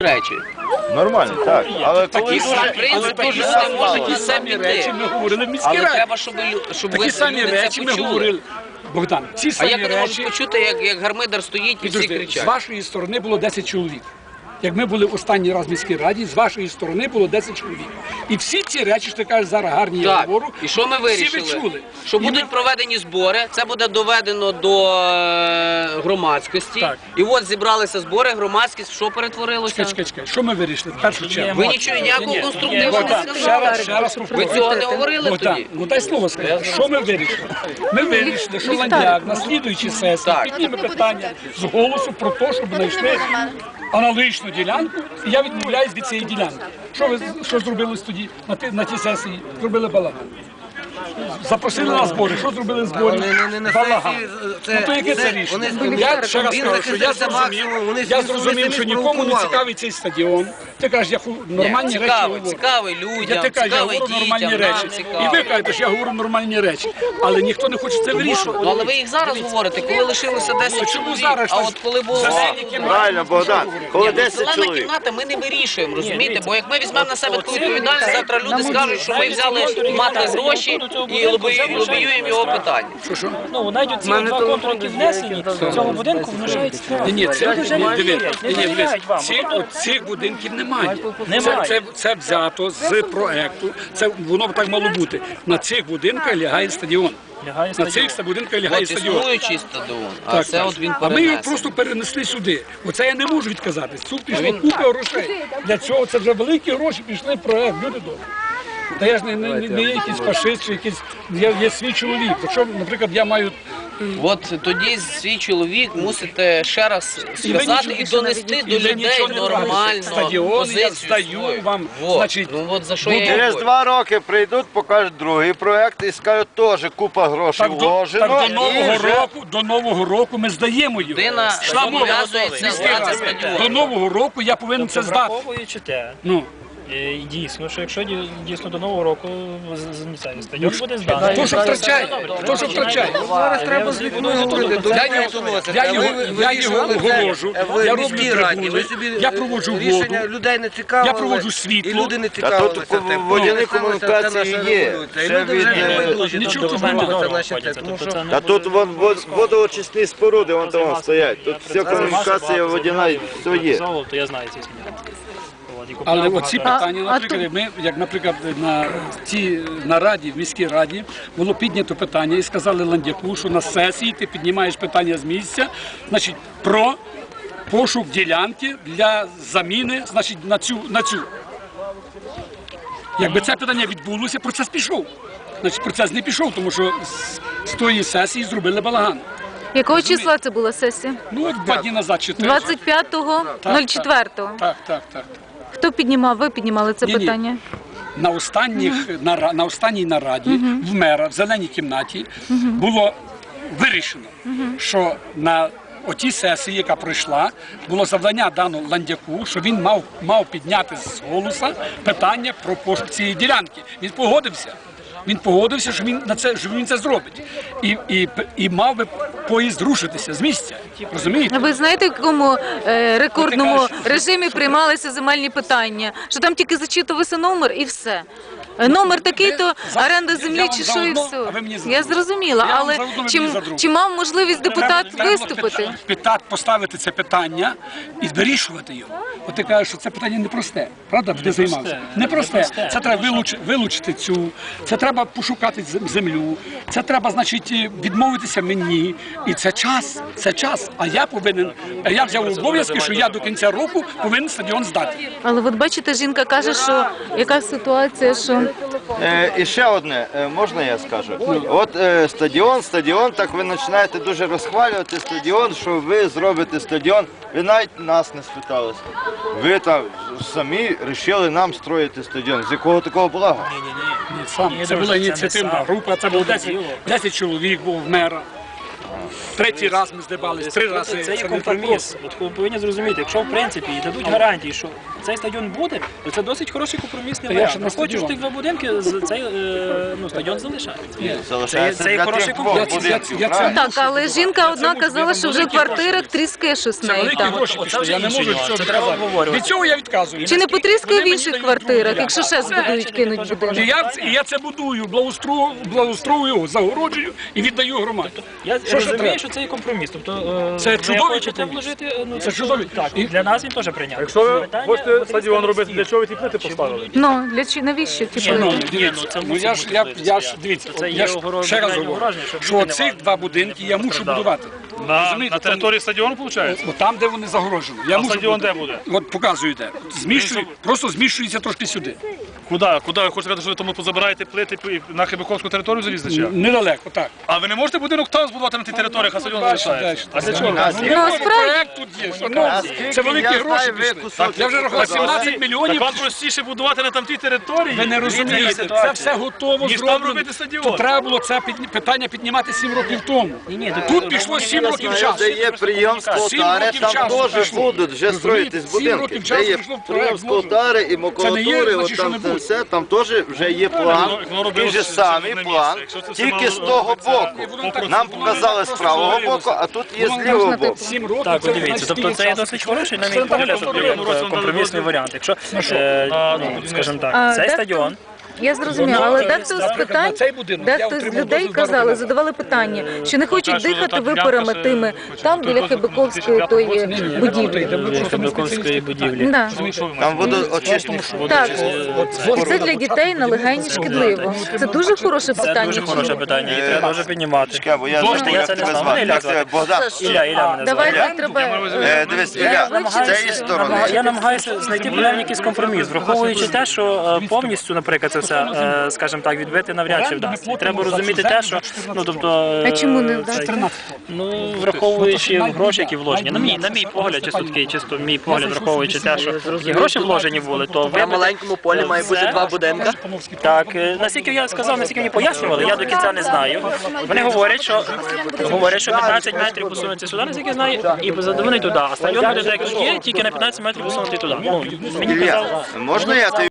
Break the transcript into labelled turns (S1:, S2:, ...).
S1: речі.
S2: Нормально, так. Але
S1: Такі в принципі, люди можуть і самі
S3: речі ми говорили в міській
S1: але
S3: раді.
S1: треба, щоб
S3: Такі
S1: ви
S3: самі
S1: люди
S3: речі
S1: це
S3: ми
S1: почули.
S3: говорили. Богдан, ці
S1: А
S3: самі
S1: як вони можуть
S3: речі,
S1: почути, як гармидар стоїть і всі
S3: підожди, з
S1: кричать?
S3: вашої сторони було 10 чоловік. Як ми були останній раз в міській раді, з вашої сторони було 10 чоловік. І всі ці речі, що ти кажеш зараз гарні, я
S1: Так,
S3: говорю,
S1: і що ми
S3: всі
S1: вирішили?
S3: ви чули.
S1: Що
S3: І
S1: будуть проведені збори, це буде доведено до громадськості.
S3: Так.
S1: І от зібралися збори, громадськість, що перетворилося?
S3: Чекай. Що ми вирішили? В першу чергу.
S1: Ви нічого ніякого конструктивного не
S3: Богдан,
S1: сказали.
S3: ще раз
S1: Ви
S3: повторюю.
S1: цього не говорили
S3: Богдан,
S1: тоді?
S3: ну дай слово сказати. Що ми вирішили? Ми вирішили, що Ландяк на слідуючій сесії
S1: Так.
S3: підніме питання з голосу про те, щоб знайшли аналогічну ділянку, і я відмовляюсь від цієї ділянки. Що зробили тоді на тій сесії? Зробили балаган. Запросили на збори. Що зробили збори? Балаган. Ну то яке це рішення? Я ще раз кажу, що я зрозумів, що нікому не цікавий цей стадіон. Ти кажеш, я нормальні речі говорю.
S1: Цікавий
S3: Я
S1: людям,
S3: ти кажу, я
S1: цікавий
S3: говорю нормальні
S1: дітям,
S3: речі.
S1: нам
S3: І
S1: цікавий.
S3: ви кажете, що я говорю нормальні речі. Але ніхто не хоче це вирішувати.
S1: Ну, але ви їх зараз говорите, коли лишилося 10
S3: Чому
S1: чоловік,
S3: зараз?
S1: а от коли було...
S2: правильно, Богдан, коли 10
S1: Зелена
S2: чоловік.
S1: кімната ми не вирішуємо, розумієте? Бо як ми візьмемо на себе таку відповідальність, завтра люди скажуть, що ми взяли мати гроші і лобіюємо його питання.
S4: Ну, навіть ці два контури, які внесені цього будинку, внушають страх.
S3: Ні, це
S4: довіряють вам.
S3: цих будинків немає.
S4: Немає.
S3: Це взято з проекту. Це воно так мало бути. На цих будинках лягає стадіон.
S4: Лягає
S3: На
S4: стадіон.
S3: цих будинках лягає
S1: От
S3: стадіон.
S1: існуючий стадіон, а
S3: Так,
S1: це
S3: так.
S1: от він
S3: А ми його
S1: перенесений.
S3: просто перенесли сюди. Оце я не можу відказатись. Тут пішло купа грошей. Для цього це вже великі гроші пішли в проект. Люди добрі. Та я ж не є якийсь фашист, чи якийсь, я є свій чоловік. Якщо, наприклад, я маю...
S1: От тоді свій чоловік мусите ще раз сказати і донести до людей нормально
S3: Стадіон я
S1: позицію
S3: здаю
S1: свою.
S3: вам,
S1: Вот.
S3: значить,
S1: Ну от за що я
S2: Через
S1: говорю.
S2: 2 роки прийдуть, покажуть другий проект і скажуть, теж купа грошей вложено.
S3: Так
S2: і
S3: до нового року ми здаємо його.
S1: Людина
S3: Йшла мова.
S1: зобов'язується
S3: Міський
S1: здати
S3: раз.
S1: стадіон.
S3: До нового року я повинен це здати.
S4: Враховуючи те,
S3: Ну,
S4: дійсно, що якщо дійсно до Нового року стадіон буде зданий.
S3: хто що втрачає? Хто що втрачає?
S5: Зараз треба з людьми говорити.
S3: Я його огорожу, я роблю трибуни, я проводжу воду,
S5: Рішення людей не цікавили.
S3: я проводжу
S5: І
S3: світло.
S5: люди не
S2: А
S5: цікавилися
S2: тут
S5: тим.
S2: водяні комунікації є. Це від...
S3: Нічого тут немає.
S2: А тут водоочисні споруди, вон там стоять. Тут вся комунікація водяна, все є.
S4: То я знаю ці зміни.
S3: Але оці питання, наприклад, ми, як, наприклад, на цій нараді, в міській раді, було піднято питання і сказали Ландяку, що на сесії ти піднімаєш питання з місця, значить, про пошук ділянки для заміни, значить, на цю. Якби це питання відбулося, процес пішов. Значить, процес не пішов, тому що з тої сесії зробили балаган.
S6: Якого числа це була сесія?
S3: Ну, от 2 дні назад чи 3.
S6: 25.04.
S3: Так.
S6: Хто піднімав? Ви піднімали це
S3: Ні-ні.
S6: питання?
S3: На останній нараді в мера в зеленій кімнаті було вирішено, що на отій сесії, яка пройшла, було завдання дано Ландяку, що він мав підняти з голоса питання про пошук цієї ділянки. Він погодився. Він погодився, що він це зробить. І мав би поїзд рушитися з місця. Розумієте?
S6: Ви знаєте, в якому рекордному режимі приймалися земельні питання? Що там тільки зачитувався номер і все. Номер такий-то, оренда землі чи що і все. Я зрозуміла, але чи мав можливість депутат виступити?
S3: Депутат поставити це питання і вирішувати його. От ти кажеш, що це питання непросте, правда? Де займався? Непросте. Це треба вилучити цю, це треба пошукати землю, це треба, значить, відмовитися мені. І це час. А я взяв обов'язки, що я до кінця року повинен стадіон здати.
S6: Але от бачите, жінка каже, що яка ситуація, що...
S2: І ще одне, можна я скажу? От стадіон, так ви починаєте дуже розхвалювати стадіон, що ви зробите стадіон. Ви навіть нас не спиталися. Ви там самі вирішили нам строїти стадіон. З якого такого блага?
S3: Ні, це була ініціативна група, це було 10 чоловік був в мера. 3-й раз ми здибались, 3 рази.
S4: Це є компроміс. От ви повинні зрозуміти, якщо в принципі і дадуть гарантії, що цей стадіон буде, то це досить хороший компромісний
S3: Та я
S4: варіант.
S3: ще на
S4: Не хочеш
S3: стадіон.
S4: тих два будинки, цей стадіон залишається.
S2: Залишається
S4: Це
S2: для
S4: хороший
S2: тих
S4: компроміс.
S2: двох будинків,
S3: Я це-
S2: правильно?
S6: Так, але жінка одна казала, що вже в
S3: великі
S6: квартирах тріскає щось в
S3: Це
S6: неї
S3: великі
S6: там.
S3: гроші
S4: Оце
S3: пішли,
S4: вже
S3: я не
S4: інший
S3: можу
S4: нюанс,
S3: цього
S4: це треба
S3: відказати.
S4: обговорювати.
S3: Від цього я відказую.
S6: Чи не потріскає в
S3: Вони
S6: інших
S3: мені
S6: квартирах,
S3: дають
S6: якщо ще збудують, кинуть
S3: І
S6: будинок?
S3: я це будую, благоустрою, загороджую і віддаю громаді.
S4: Я
S3: Що
S4: розумію,
S3: треба?
S4: що це є компроміс. Тобто
S3: Це
S4: ви
S3: чудовий
S4: хочете
S3: компроміс.
S4: вложити,
S3: Це чудовий.
S4: Так,
S3: І-
S4: для нас він теж прийнятний.
S7: Якщо ви
S4: Питання,
S7: хочете
S4: потрібно
S7: стадіон робити,
S4: всі.
S7: для чого ви ті плити поставили?
S6: Ну, навіщо ті
S4: Ні, ну,
S6: плити?
S3: Дивіться,
S4: це
S3: ну
S4: мусить
S3: я ж
S4: бути
S3: я
S4: плити
S3: ж дивіться,
S4: Це
S3: я
S4: є
S3: ж
S4: огороження,
S3: ще раз
S4: огороження,
S3: говорю,
S4: щоб
S3: що
S4: люди не
S3: цих
S4: мали.
S3: два будинки я мушу
S4: постраждали.
S3: будувати.
S7: На
S3: Розумієте,
S7: території стадіону, виходить?
S3: Бо там, де вони загорожені. Я мушу
S7: стадіон
S3: бути-
S7: де буде?
S3: От показую де. Просто зміщується трошки сюди.
S7: Куди? Куди? Ви хочете сказати, що ви тому позабираєте плити і на Хибиковську територію залізли? чи як?
S3: Недалеко, так.
S7: А ви не можете будинок там збудувати на тій території, а стадіон залишається? А для чого?
S6: Ну, справді.
S3: Проект тут є, шановні. Це великі
S2: Я
S3: гроші
S2: знаю, ви
S3: пішли.
S2: кусочок
S3: Я вже рахував
S2: показали.
S3: 17 мільйонів.
S7: Так вам простіше будувати на тамтій території?
S3: Ви не розумієте, це все готово
S7: Ніж там
S3: зроблено.
S7: робити стадіон.
S3: То треба було це питання піднімати 7 років тому. Тут пішло 7 років часу.
S2: Де є прийом з
S3: 7
S2: Полтари,
S3: років
S2: там
S3: часу
S2: теж
S3: пішло.
S2: будуть вже строїтись
S3: 7
S2: будинки.
S3: років
S2: Де
S3: часу
S2: є
S3: пішло в
S2: прийом
S3: проект,
S2: з Полтари і
S3: Це не є,
S2: макулатури,
S3: значить,
S2: от
S3: що
S2: там
S3: не
S2: це
S3: буде.
S2: все, там теж вже є план.
S7: воно робилося
S2: Такий же
S7: все
S2: самий
S7: на
S2: план,
S7: місці. Якщо це все
S2: тільки
S7: мало
S2: з того
S7: робитися
S2: боку. Нам показали з правого боку, а тут є з лівого боку.
S3: 7 років.
S4: Так,
S3: це,
S4: от дивіться,
S3: значить,
S4: тобто
S3: стільки
S4: це є
S3: часу
S4: досить
S3: пішло.
S4: хороший, на мій
S3: Це
S4: погляд,
S3: так,
S4: компромісний варіант. Якщо, скажімо
S6: А,
S4: так, цей
S6: дехто-
S4: стадіон,
S6: Я зрозуміла, але дехто з
S3: Наприклад,
S6: питань,
S3: на цей будинок я
S6: дехто з
S3: отримав
S6: людей
S3: дозвіл
S6: казали,
S3: на
S6: задавали питання, чи не хочуть
S7: що
S6: дихати
S7: та
S6: випарами
S7: ділянка
S6: тими
S7: ще
S6: там біля Хибиковської тої будівлі.
S4: Хибиковської будівлі.
S6: Да.
S2: Там водоочисні.
S6: Так, і це для дітей на легені шкідливо. Це дуже хороше
S4: Це
S6: питання.
S4: дуже хороше питання, і треба дуже піднімати.
S2: Чекай, бо я
S4: Боже,
S2: забув,
S4: я
S2: як
S4: це не
S2: тебе
S4: знав.
S2: звати.
S4: Мене
S2: Як
S4: Ілля
S2: тебе? Богдан?
S4: Ілля мене звати.
S6: Давайте треба.
S2: Дивись, Ілля, з цієї сторони.
S4: Я намагаюся знайти принаймні якийсь компроміс, враховуючи те, що повністю, наприклад, це все, скажімо так, відбити навряд чи вдасться. І треба розуміти те, що, ну, тобто...
S6: А чому не вдасться?
S4: Ну, враховуючи гроші, які вложені. На мій погляд, чисто мій погляд, враховуючи те, що які гроші вложені були, то
S1: На маленькому полі має бути два будинки.
S4: Так, наскільки я сказав, наскільки мені пояснювали, я до кінця не знаю. Вони говорять, що 15 метрів посунуться сюди, наскільки я знаю, і задовинуть туди. А стадіон буде так, як є, тільки на 15 метрів посунути туди. Ну, мені казали.
S2: Ілля, можна я тобі